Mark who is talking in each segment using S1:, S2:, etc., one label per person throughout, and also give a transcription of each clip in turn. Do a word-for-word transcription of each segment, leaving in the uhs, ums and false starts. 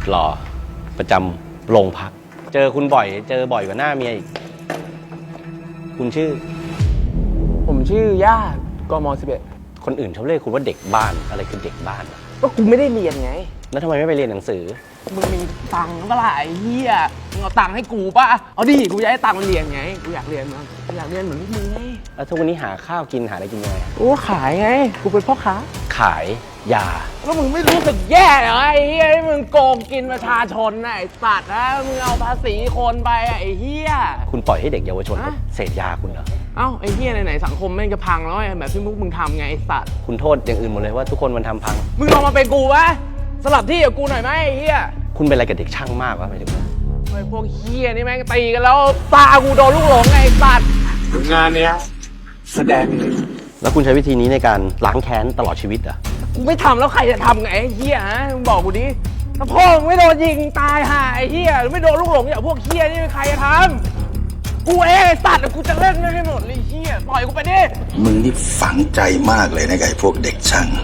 S1: หล่อประจำโรงพักเจอคุณบ่อยเจอบ่อยกว่าหน้าเมียอีกคุณชื่อ
S2: ผมชื่อญาติกมสิบเอ็ด
S1: คนอื่นเขาเรียกคุณว่าเด็กบ้านอะไรคือเด็กบ้าน
S2: ก็กูไม่ได้เรียนไง
S1: แล้วทำไมไม่ไปเรียนหนังสือ
S2: มึงมีตังค์เปล่าไอ้เหี้ยมึงเอาตังค์ให้กูป่ะเอาดิกูจะให้ตังค์มันเรียนไงกูอยากเรียนมั้งกูอยากเรียนเหมือนมึงไง
S1: แล้วทุกวันนี้หาข้าวกินหาอะไรกินยังไง
S2: กูขายไงกูเป็นพ่อค้า
S1: ขายยา
S2: แล้วมึงไม่รู้สึกแย่เหรอไอ้เหี้ยที่มึงโกงกินประชาชนไอ้สัตว์นะมึงเอาภาษีคนไปไอ้เหี้ย
S1: คุณปล่อยให้เด็กเยาวชนเสพยาคุณเหรอ
S2: เอ้าไอ้เหี้ยไหนๆสังคมแม่งจะพังแล้วแบบที่พวกมึงทำไงไอ้สัตว์
S1: คุณโทษอย่างอื่นหมดเลยว่าทุกคนมันทำพัง
S2: มึงลองมาเป็นกูวะสลับที่กับกูหน่อยไหมไอ้เหี้ย
S1: คุณเป็นอะไรกับเด็กช่างมากวะหมายถึง
S2: ไอ้พวกเหี้ยนี่แม่งตีกันแล้วตากูโดนลูกหลงไงไอ้สัตว์
S3: งานเนี้ยแสดง
S1: แล้วคุณใช้วิธีนี้ในการล้างแค้นตลอดชีวิตเหรอ
S2: กูไม่ทำแล้วใครจะทำไงไอ้เหี้ยฮะมึงบอกกูดิถ้าพ่อมึงไม่โดนยิงตายห่าไอ้เหี้ยหรือไม่โดนลูกหลงอย่างพวกเหี้ยนี่ใครจะทำกูเองไอ้สัตว์กูจะเล่นไม่หมดเลยเหี้ยปล่อยกูไปดิ
S3: มึงนี่ฝังใจมากเลยนะไอ้พวกเด็กช่าง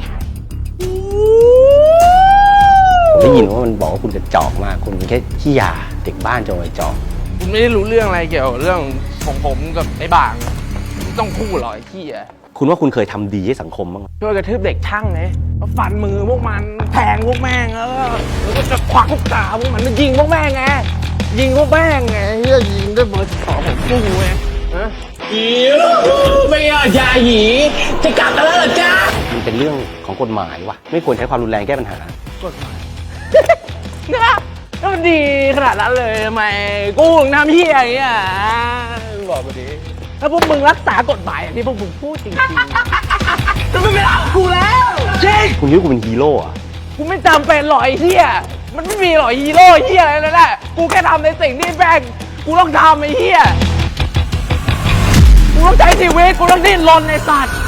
S1: ได้ยินว่ามันบอกว่าคุณกระจอกมากคุณเป็นแค่ขี้ยาเด็กบ้านจงไอ้จอก
S2: คุณไม่ได้รู้เรื่องอะไรเกี่ยวกับเรื่องของผมกับไอ้บางไม่ต้องพูดหรอกไอ้ขี้อ่ะ
S1: คุณว่าคุณเคยทำดีให้สังคมบ้าง
S2: ช่วยกระทืบเด็กช่างไงฟันมือพวกมันแทงพวกแม่งแล้วก็จะควักลูกตาพวกมันมันยิงพวกแม่งไงยิงพวกแม่งไงเฮียยิงด้วยเบอร์สิบสองผมสู้ไงฮะอีไม่เอายาหยีจะกลับกันแล้วเหรอจ๊ะ
S1: มันเป็นเรื่องของกฎหมายวะไม่ควรใช้ความรุนแรงแก้ปัญหาก
S2: ฎหมายนะก็มันดีขนาดนั้นเลยทำไมกูถึงทำเฮียอย่างเงี้ยบอกกูดิถ้าพวกมึงรักษากฎหมายอย่างที่พวกมึงพูดจริงๆจะไม่เป็นเอากูแล้วจริง
S1: คุณคิดว่ากูเป็นฮีโร่อะ
S2: กูไม่จำเป็นหรอกไอ้เฮียมันไม่มีหรอกฮีโร่เฮียอะไรนั่นแหละกูแค่ทำในสิ่งที่แม่งกูต้องทำไอ้เฮียกูต้องใช้ชีวิตกูต้องดิ้นรนในสัตว์